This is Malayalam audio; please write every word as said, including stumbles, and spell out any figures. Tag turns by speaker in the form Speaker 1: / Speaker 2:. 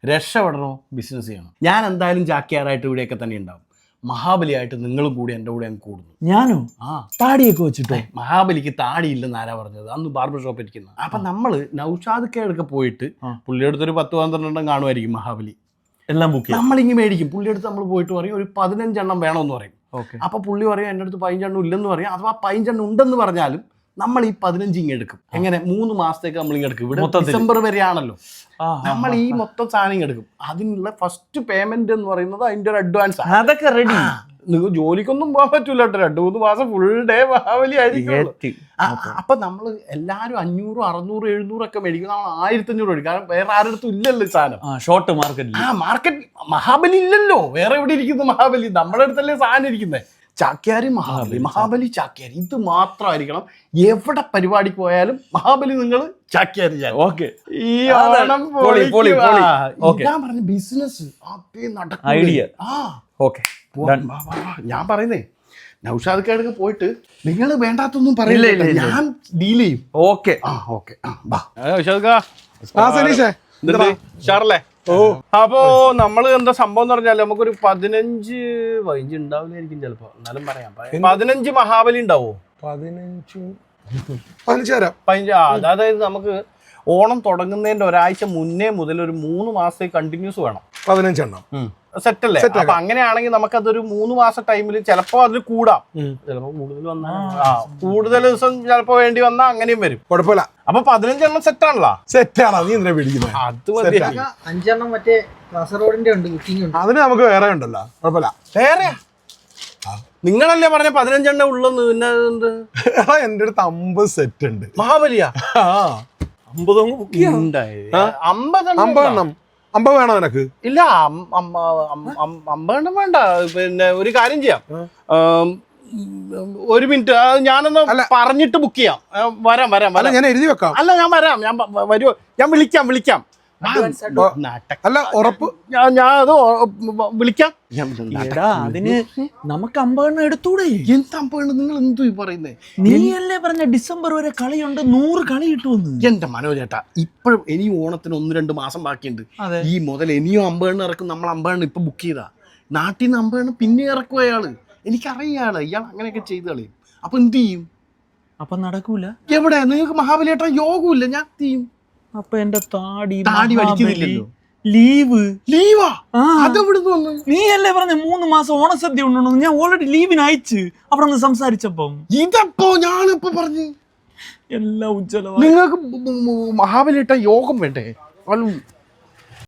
Speaker 1: രക്ഷപ്പെടണോ ബിസിനസ് ചെയ്യണം. ഞാൻ എന്തായാലും ചാക്യാറായിട്ട് ഇവിടെയൊക്കെ തന്നെ ഉണ്ടാവും. മഹാബലിയായിട്ട് നിങ്ങളും കൂടി എൻ്റെ കൂടെ അങ്ങ് കൂടുന്നു.
Speaker 2: ഞാനോ?
Speaker 1: ആ
Speaker 2: താടിയൊക്കെ വെച്ചിട്ടോ?
Speaker 1: മഹാബലിക്ക് താടിയില്ലെന്ന് ആരാ പറഞ്ഞത്? അന്ന് ബാർബർ ഷോപ്പ് ഇരിക്കുന്ന. അപ്പൊ നമ്മള് നൗഷാദ് കേടൊക്കെ പോയിട്ട് പുള്ളിയെടുത്ത് ഒരു പത്ത് പന്ത്രണ്ടെണ്ണം കാണുമായിരിക്കും മഹാബലി.
Speaker 2: എല്ലാം ബുക്ക്
Speaker 1: നമ്മളിങ്ങനെ മേടിക്കും. പുള്ളിയെടുത്ത് നമ്മൾ പോയിട്ട് പറയും ഒരു പതിനഞ്ചെണ്ണം വേണമെന്ന് പറയും.
Speaker 2: ഓക്കെ.
Speaker 1: അപ്പൊ പുള്ളി പറയും എൻ്റെ അടുത്ത് പതിനഞ്ചെണ്ണം ഇല്ലെന്ന് പറയും. അഥവാ പതിനഞ്ചെണ്ണം ഉണ്ടെന്ന് പറഞ്ഞാലും നമ്മൾ ഈ പതിനഞ്ച് ഇങ്ങ് എടുക്കും. എങ്ങനെ? മൂന്ന് മാസത്തേക്ക് നമ്മൾ ഇങ്ങ് എടുക്കും. ഇവിടെ ഡിസംബർ വരെയാണല്ലോ. നമ്മൾ ഈ മൊത്തം സാധനം എടുക്കും. അതിനുള്ള ഫസ്റ്റ് പേയ്മെന്റ് എന്ന് പറയുന്നത് അതിന്റെ ഒരു അഡ്വാൻസ്.
Speaker 2: അതൊക്കെ റെഡി.
Speaker 1: നിങ്ങൾ ജോലിക്കൊന്നും പോകാൻ പറ്റൂല കേട്ടോ. രണ്ടു മൂന്ന് മാസം ഫുൾ ഡേ മഹാബലി ആയിരിക്കും. അപ്പൊ നമ്മൾ എല്ലാരും അഞ്ഞൂറും അറുന്നൂറും എഴുന്നൂറും ഒക്കെ മേടിക്കും. നമ്മൾ ആയിരത്തി അഞ്ഞൂറ് മേടിക്കും. കാരണം വേറെ ആരുടെ ഇല്ലല്ലോ സാധനം.
Speaker 2: Short market.
Speaker 1: ആ മാർക്കറ്റ് മഹാബലി ഇല്ലല്ലോ. വേറെ എവിടെ ഇരിക്കുന്നു മഹാബലി? നമ്മുടെ അടുത്തല്ലേ സാധനം ഇരിക്കുന്നത്. ചാക്യാരി മഹാബലി, മഹാബലി ചാക്യാരി, ഇത് മാത്രമായിരിക്കണം. എവിടെ പരിപാടിക്ക് പോയാലും മഹാബലി നിങ്ങൾ ചാക്യാരി.
Speaker 2: ഓക്കെ.
Speaker 1: ഈ ഓണം ഞാൻ പറഞ്ഞ ബിസിനസ്
Speaker 2: ഐഡിയ.
Speaker 1: ആ
Speaker 2: ഓക്കെ.
Speaker 1: ഞാൻ പറയുന്നേ നൗഷാദ് കേടൊക്കെ പോയിട്ട് നിങ്ങൾ വേണ്ടാത്തൊന്നും പറയില്ല, ഞാൻ ഡീൽ ചെയ്യും.
Speaker 2: ഓക്കെ.
Speaker 1: ആ ഓക്കെ. ഷാറല്ലേ?
Speaker 3: ഓ
Speaker 1: അപ്പോ നമ്മള് എന്താ സംഭവം എന്ന് പറഞ്ഞാല് നമുക്കൊരു പതിനഞ്ച് പതിനഞ്ച് ഉണ്ടാവില്ലായിരിക്കും ചിലപ്പോ, എന്നാലും പറയാം. പതിനഞ്ച് മഹാബലി ഉണ്ടാവോ?
Speaker 3: പതിനഞ്ച് പതിനഞ്ച് തരാം.
Speaker 1: പതിനഞ്ച്. അതായത് നമുക്ക് ഓണം തുടങ്ങുന്നതിന്റെ ഒരാഴ്ച മുന്നേ മുതൽ ഒരു മൂന്ന് മാസത്തേക്ക് കണ്ടിന്യൂസ് വേണം.
Speaker 3: പതിനഞ്ചെണ്ണം
Speaker 1: സെറ്റ് അല്ലേ? അപ്പൊ അങ്ങനെയാണെങ്കിൽ നമുക്കതൊരു മൂന്ന് മാസം ടൈമിൽ ചിലപ്പോ അതിൽ കൂടാം, ചിലപ്പോ കൂടുതൽ വന്നാൽ ആ കൂടുതൽ ദിവസം ചിലപ്പോ വേണ്ടി വന്നാൽ അങ്ങനെയും വരും.
Speaker 3: കുഴപ്പമില്ല.
Speaker 1: അപ്പൊ പതിനഞ്ചെണ്ണം സെറ്റ് ആണല്ലോ.
Speaker 3: സെറ്റാണോ? നീ എന്തിനാ പിടിക്കുന്നത്?
Speaker 1: അത് മതി.
Speaker 4: അഞ്ചെണ്ണം മറ്റേ കാസർഗോഡിന്റെ ഉണ്ട്, ബുക്കിംഗ് ഉണ്ട്.
Speaker 3: അതിന് നമുക്ക് വേറെ ഉണ്ടല്ലോ. കുഴപ്പമില്ല.
Speaker 1: വേറെ നിങ്ങളല്ലേ പറഞ്ഞ പതിനഞ്ചെണ്ണം ഉള്ളെന്ന്? പിന്നെ എന്ത്?
Speaker 3: എന്റെ അടുത്ത് അമ്പത് സെറ്റ് ഉണ്ട്.
Speaker 1: മഹാബലിയാ?
Speaker 2: അമ്പത്
Speaker 1: അമ്പതെണ്ണം
Speaker 3: അമ്പതെണ്ണം. അമ്പത് വേണോ നിനക്ക്?
Speaker 1: ഇല്ല, അമ്പതെണ്ണം വേണ്ട. പിന്നെ ഒരു കാര്യം ചെയ്യാം, ഒരു മിനിറ്റ് ഞാനൊന്ന് പറഞ്ഞിട്ട് ബുക്ക് ചെയ്യാം. വരാം വരാം വരാം.
Speaker 3: ഞാൻ എഴുതി വെക്കാം.
Speaker 1: അല്ല ഞാൻ വരാം, ഞാൻ വരുമോ? ഞാൻ വിളിക്കാം വിളിക്കാം
Speaker 3: അല്ല ഉറപ്പ്.
Speaker 1: ഞാൻ അത് വിളിക്കാം.
Speaker 2: അതിന് നമുക്ക് അമ്പതെണ്ണം എടുത്തൂടെ?
Speaker 1: എന്ത് അമ്പതെണ്ണം? നിങ്ങൾ എന്തു പറയുന്നേ?
Speaker 2: നീയല്ലേ പറഞ്ഞ ഡിസംബർ വരെ കളിയുണ്ട്, നൂറ് കളി കിട്ടുമെന്ന്.
Speaker 1: എന്റെ മനോജേട്ടാ, ഇപ്പോഴും ഇനിയും ഓണത്തിന് ഒന്ന് രണ്ട് മാസം ബാക്കിയുണ്ട്. ഈ മുതൽ ഇനിയും അമ്പതെണ്ണം ഇറക്കും. നമ്മൾ അമ്പതെണ്ണം ഇപ്പൊ ബുക്ക് ചെയ്താ നാട്ടിൽ നിന്ന് അമ്പതെണ്ണം പിന്നെ ഇറക്കും അയാള്. എനിക്കറിയാള് ഇയാൾ അങ്ങനെയൊക്കെ ചെയ്ത് കളയും. അപ്പൊ എന്ത് ചെയ്യും?
Speaker 2: അപ്പൊ നടക്കൂല.
Speaker 1: എവിടെ? നിങ്ങൾക്ക് മഹാബലിയേട്ടാ യോഗമില്ല, ഞാൻ എന്ത് ചെയ്യും?
Speaker 2: അപ്പൊ എന്റെ താടി
Speaker 1: താടി വലിക്കുന്നില്ലല്ലോ.
Speaker 2: ലീവ്.
Speaker 1: ലീവാ? അതെവിടുന്ന് വന്നു?
Speaker 2: നീ അല്ലേ പറഞ്ഞ മൂന്ന് മാസം ഓണസദ്യ ഉണ്ടോ? ഞാൻ ഓൾറെഡി ലീവിന് അയച്ച് അവിടെ നിന്ന് സംസാരിച്ചപ്പം.
Speaker 1: ഇതപ്പോ ഞാനിപ്പോ പറഞ്ഞു
Speaker 2: എല്ലാം ഉജ്ജ്വലം.
Speaker 1: നിങ്ങൾക്ക് മഹാബലിയേട്ട യോഗം വേണ്ടേ?